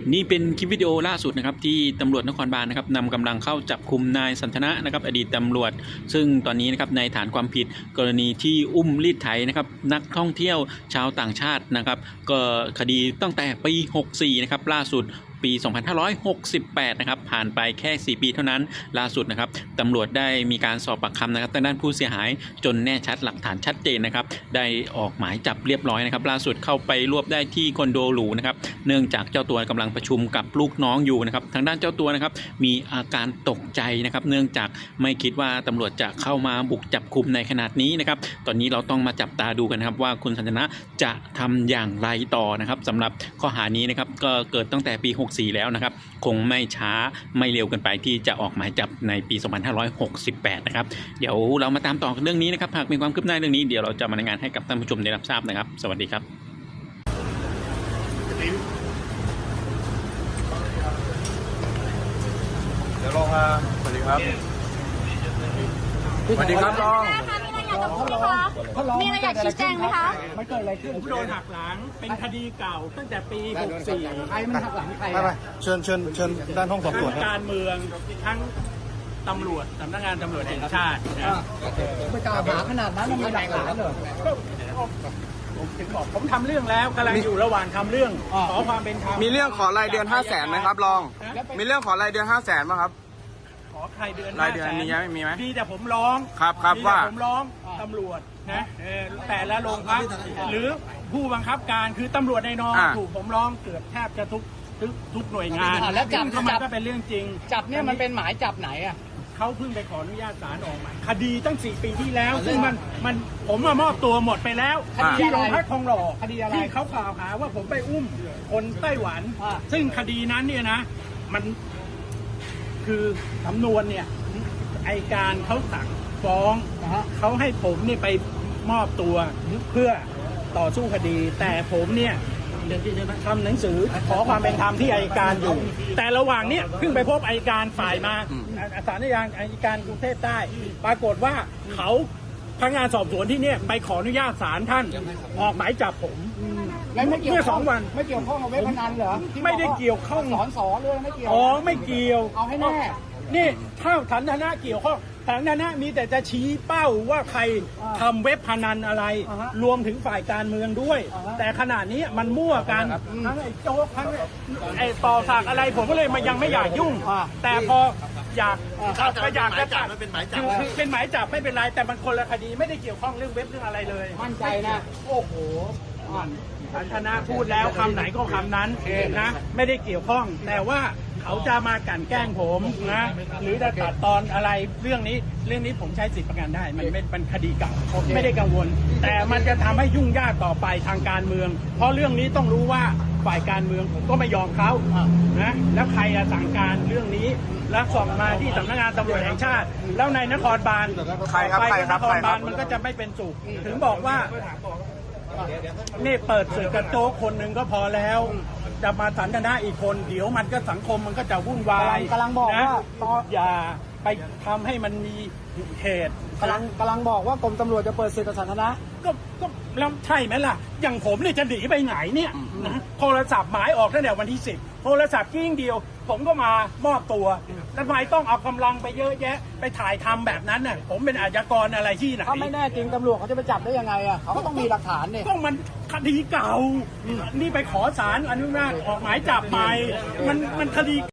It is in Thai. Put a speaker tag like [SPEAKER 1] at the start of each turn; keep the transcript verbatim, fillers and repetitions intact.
[SPEAKER 1] นี่เป็นคลิปวิดีโอล่าสุดนะครับที่ตำรวจนครบาลนะครับนำกำลังเข้าจับคุมนายสันทนะนะครับอดีตตำรวจซึ่งตอนนี้นะครับในฐานความผิดกรณีที่อุ้มรีดไถนะครับนักท่องเที่ยวชาวต่างชาตินะครับก็คดีตั้งแต่ปีหกสี่นะครับล่าสุดปีสองพันห้าร้อยหกสิบแปดนะครับผ่านไปแค่สี่ปีเท่านั้นล่าสุดนะครับตำรวจได้มีการสอบปากคำนะครับทางด้านผู้เสียหายจนแน่ชัดหลักฐานชัดเจนนะครับได้ออกหมายจับเรียบร้อยนะครับล่าสุดเข้าไปรวบได้ที่คอนโดหรูนะครับเนื่องจากเจ้าตัวกำลังประชุมกับลูกน้องอยู่นะครับทางด้านเจ้าตัวนะครับมีอาการตกใจนะครับเนื่องจากไม่คิดว่าตำรวจจะเข้ามาบุกจับคุมในขนาดนี้นะครับตอนนี้เราต้องมาจับตาดูกันนะครับว่าคุณสันทนะจะทำอย่างไรต่อนะครับสำหรับข้อหานี้นะครับก็เกิดตั้งแต่ปีหกสี่แล้วนะครับคงไม่ช้าไม่เร็วกันไปที่จะออกหมายจับในปีสองพันห้าร้อยหกสิบแปดนะครับเดี๋ยวเรามาตามต่อเรื่องนี้นะครับหากมีความคืบหน้าเรื่องนี้เดี๋ยวเราจะมารายงานให้กับท่านผู้ชมได้รับทราบนะครับสวัสดีครับ
[SPEAKER 2] เดี๋ยวลองมาสวัสดีครับสวัสดีครับลอง
[SPEAKER 3] มีอะไรอยากชี้แจงไหมคะ
[SPEAKER 4] มันเกิดอะไรขึ้น
[SPEAKER 5] ผมโดนหักหลังเป็นคดีเก่าตั้งแต่ปีหกสี่
[SPEAKER 4] ใครมันหักหลังใคร
[SPEAKER 2] ไปไปเชิญเชิญเชิญด้านห้องสอบสวน
[SPEAKER 5] ทั้ง
[SPEAKER 2] ครับ
[SPEAKER 5] การเมืองทั้งตำรวจสำนักงานตำรวจแห่งชาตินะ
[SPEAKER 4] ไปกล่าวหาขนาดนั้นมันมีหลักฐานเหรอ
[SPEAKER 5] ผมถึงบอกผมทำเรื่องแล้วกำลังอยู่ระหว่างทำเรื่องขอความเป็นธรรม
[SPEAKER 2] มีเรื่องขอรายเดือนห้าแสนไหมครับลองมีเรื่องขอรายเดือนห้าแสนไหมครับ
[SPEAKER 5] ขอใครเดือน
[SPEAKER 2] รายเดือนมีไหมมีไหม
[SPEAKER 5] มีแต่ผมร้อง
[SPEAKER 2] ครับครับ
[SPEAKER 5] มีแต่
[SPEAKER 2] ว่า
[SPEAKER 5] ผมร้องตำรวจนะเออแต่ละโรงพักหรือผู้บังคับการคือตำรวจในนองถูกผมร้องเกือบแทบจะทุกทุกทุกหน่วยงาน
[SPEAKER 4] แล้วจับ
[SPEAKER 5] ซึ่งมัน
[SPEAKER 4] จับ
[SPEAKER 5] ก็เป็นเรื่องจริง
[SPEAKER 4] จับเนี่ยมันเป็นหมายจับไหนอ่ะ
[SPEAKER 5] เขาเพิ่งไปขออนุญาตศาลออกหมายคดีตั้งสี่ปีที่แล้ว ซึ่งมันมันผมมามอบตัวหมดไปแล้ว
[SPEAKER 4] คดี
[SPEAKER 5] ที่
[SPEAKER 4] อะไร
[SPEAKER 5] โรงพักทองหล่อ
[SPEAKER 4] คดีอะไร
[SPEAKER 5] ที่เขากล่าวหาว่าผมไปอุ้มคนไต้หวัน
[SPEAKER 4] อ่า
[SPEAKER 5] ซึ่งคดีนั้นเนี่ยนะ มันคือสำนวนเนี่ยไอการเขาสั่งฟ้อง
[SPEAKER 4] นะฮะ
[SPEAKER 5] เขาให้ผมเนี่ยไปมอบตัวเพื่อต่อสู้คดี แต่ผมเนี่ยทำหนังสือขอความเป็นธรรมที่อัยการอยู่ แต่ระหว่างเนี้ยเพิ่งไปพบอัยการฝ่ายมาศาลอัยการกรุงเทพใต้ปรากฏว่าเขาพนักงานสอบสวนที่เนี่ยไปขออนุญาตศาลท่านออกหมายจับผม
[SPEAKER 4] แล้วไม่เกี่ยว
[SPEAKER 5] เมื่อสองวัน
[SPEAKER 4] ไม่เกี่ยวข้องกับเว็บพนันเหรอ
[SPEAKER 5] ไม่ได้เกี่ยวข้อง
[SPEAKER 4] สอนสอนเลยไม่เกี่ยว
[SPEAKER 5] อ๋อไม่เกี่ยว
[SPEAKER 4] เอาให้แน่
[SPEAKER 5] นี่ถ้าฐานะเกี่ยวข้องฐานะมีแต่จะชี้เป้าว่าใคร
[SPEAKER 4] อ่า
[SPEAKER 5] ทำเว็บพนันอะไร
[SPEAKER 4] อ่าฮะ
[SPEAKER 5] รวมถึงฝ่ายการเมืองด้วย
[SPEAKER 4] อ่าฮะ
[SPEAKER 5] แต่ขนาดนี้มันมั่วกันทั้งไอ้โจ๊กทั้งไอ้ต่อสากอะไรผมก็เลยมายังไม่อยากยุ่ง
[SPEAKER 4] อ่า
[SPEAKER 5] แต่พออยาก
[SPEAKER 4] อ่า
[SPEAKER 5] ก็อยากจะจับ
[SPEAKER 2] มันเป็นหมายจับ
[SPEAKER 5] คือคือเป็นหมายจับไม่เป็นไรแต่มันคนละคดีไม่ได้เกี่ยวข้องเรื่องเว็บเรื่องอะไรเลย
[SPEAKER 4] มั่นใจนะ โอ้โห
[SPEAKER 5] สันทนาพูดแล้วคำไหนก็คำนั้นนะไม่ได้เกี่ยวข้อง แต่ว่าเขาจะมากลั่นแกล้งผมนะหรือจะตัดตอนอะไรเรื่องนี้เรื่องนี้ผมใช้สิทธิประกันได้ มันไม่เป็นคดีเก่า
[SPEAKER 4] โอเค
[SPEAKER 5] ไม่ได้กังวล แต่มันจะทำให้ยุ่งยากต่อไปทางการเมือง เพราะเรื่องนี้ต้องรู้ว่าฝ่ายการเมืองผมก็ไม่ยอมเขานะแล้วใครอะสั่งการเรื่องนี้แล้วส่งมาที่สำนักงานตำรวจแห่งชาติ แล้วในนครบาล
[SPEAKER 2] ใครครับ
[SPEAKER 5] ไป
[SPEAKER 2] ใคร
[SPEAKER 5] กับ
[SPEAKER 2] คน รับ
[SPEAKER 5] ค
[SPEAKER 2] ใคร
[SPEAKER 5] ร
[SPEAKER 2] ครับ
[SPEAKER 5] าลมันก็จะไม่เป็นสุขถึงบอกว่า นี่เปิดสื่อกระโจกคนหนึ่งก็พอแล้ว จะมาสันทนาอีกคนเดี๋ยวมันก็สังคมมันก็จะวุ่นวาย
[SPEAKER 4] กำลังบอก
[SPEAKER 5] นะ
[SPEAKER 4] ว่าตอน
[SPEAKER 5] อย่าไปทำให้มันมีเหตุ
[SPEAKER 4] กำลังกำลังบอกว่ากรมตำรวจจะเปิดศึกกับสันทนะ
[SPEAKER 5] ก็ก็แล้วใช่ไหมล่ะ อย่างผมเนี่ยจะหนีไปไหนเนี่ยนะโทรศัพท์หมายออกตั้งแต่วันที่สิบโทรศัพท์กิ้งเดียว ผมก็มามอบตัวแล้วทำไมต้องเอากำลังไปเยอะแยะ ไปถ่ายทำแบบนั้นน่ะผมเป็นอาชญากรอะไรที่ไหน
[SPEAKER 4] ถ้าไม่แน่จริงตำรวจเขาจะไปจับได้ยังไงอ่ะเขาก็ต้องมีหลักฐานเนี่ย
[SPEAKER 5] ก็มันคดีเก่า นี่ไปขอศาลอนุญาตออกหมายจับใหม่มันมันคดี